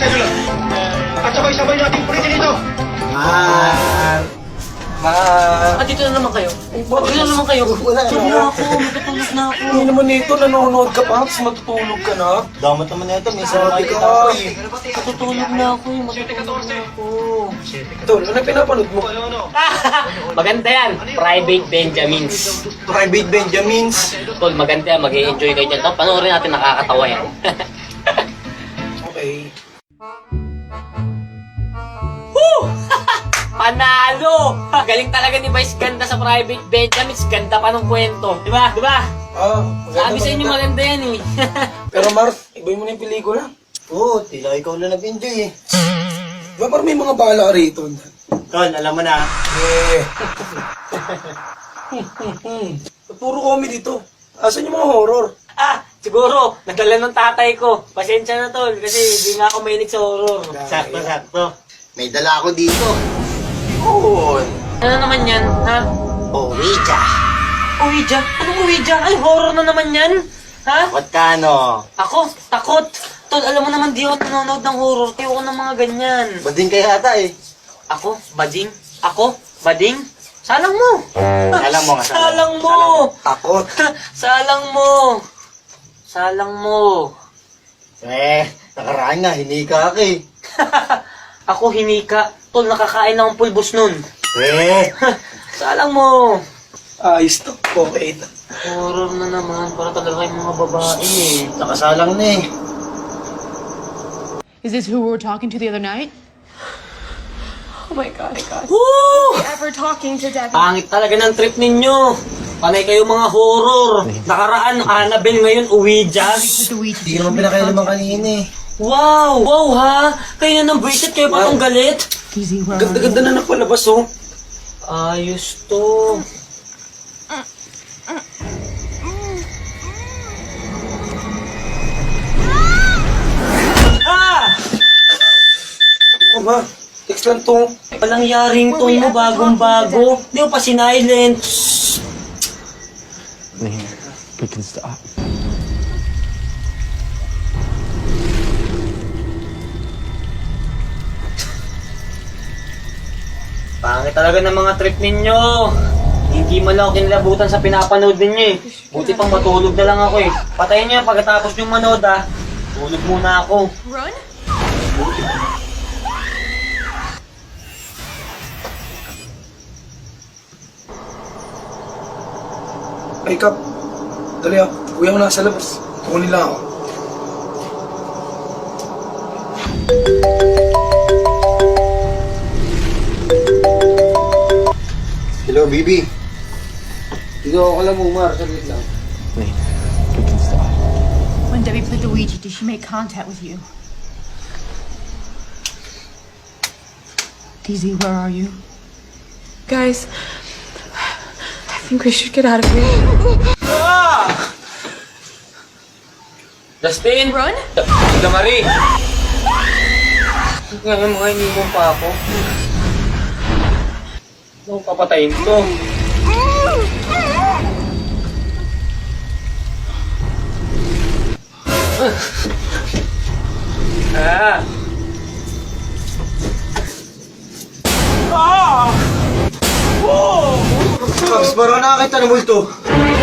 Teka lang. At sabay-sabay natin pulitin ito. Dito na naman kayo. Dito na naman kayo. Wala Tulog na ako, matutulog na ako. Hindi naman ito, nanonood ka pa, tapos matutulog ka na. Damat naman na ito, may Sabi kita ka. ko eh. Matutulog na ako, matutulog na ako. Tol, ano pinapanood mo? Maganda yan, Private Benjamins. Private Benjamins. Tol, maganda yan, mag-i-enjoy kayo dyan. Tapos panoorin natin, nakakatawa yan. Okay. Panalo! Galing talaga ni Vice Ganda sa Private Benjamins. Ganda pa ng kwento. Diba? Diba? Sabi sa inyo maganda yan eh. Pero Mark, ibay mo na yung pelikula. Oo, tila ikaw lang nag-enjoy eh. Diba parang may mga bala rito? Tol, alam mo na. Puro comedy to. Asan yung mga horror? Siguro, nagdala ng tatay ko. Pasensya na tol, kasi di nga ako mahilig sa horror. Sakto. May dala ako dito. Oo. Ano naman yan, ha? Ouija. Ouija? Anong Ouija? Ay, horror na naman yan. Ha? What ka no? Ako, takot. Tol, alam mo naman di ako nanonood ng horror. Tayo ko ng mga ganyan. Bading kaya ata eh. Ako, bading? Ako, bading? Salang mo! Salang mo nga, Salang mo! Takot. Salang mo! Salang mo! Nakaraan nga, hinika ka eh. Ako hinika. Tol, nakakain akong pulbos nun. Salang mo! Ayos to. Okay. Horror na naman. Para talaga yung mga babae eh. Nakasalang na eh. Is this who we were talking to the other night? Oh my god. Woo! Ever talking to Debbie? Pangit talaga ng trip ninyo. Panay kayo mga horror. Nakaraan, Annabelle ngayon, Ouija. Hindi naman pinakailaman kanina eh. Wow! Wow ha! Kayo na ng bracelet, kayo pa tong galit. Ganda-ganda na napalabas oh. Ayos to. Ma, text lang to. Walang yaring tone mo, bagong-bago. Di mo pa sinilent. We can stop. Pangit talaga ng mga trip ninyo. Hindi man lang ako kinilabutan sa pinapanood ninyo eh. Buti pang matulog na lang ako eh. Patayin niyo yan pagkatapos yung manood ah. Tulog muna ako. Run? Ay, Kap. Dali ah. Kuya mo nasa labas. Kukunin lang ako. Hello, Bibi. Ikaw ako lang umar, saglit lang. We can stop. When Debbie played the Ouija, did she make contact with you? DZ, where are you? Guys, I think we should get out of here. Justin! Run? Damari! Ngayon mga iniwan pa ako. Ano papatayin to? Pops, parang nakakita ng multo.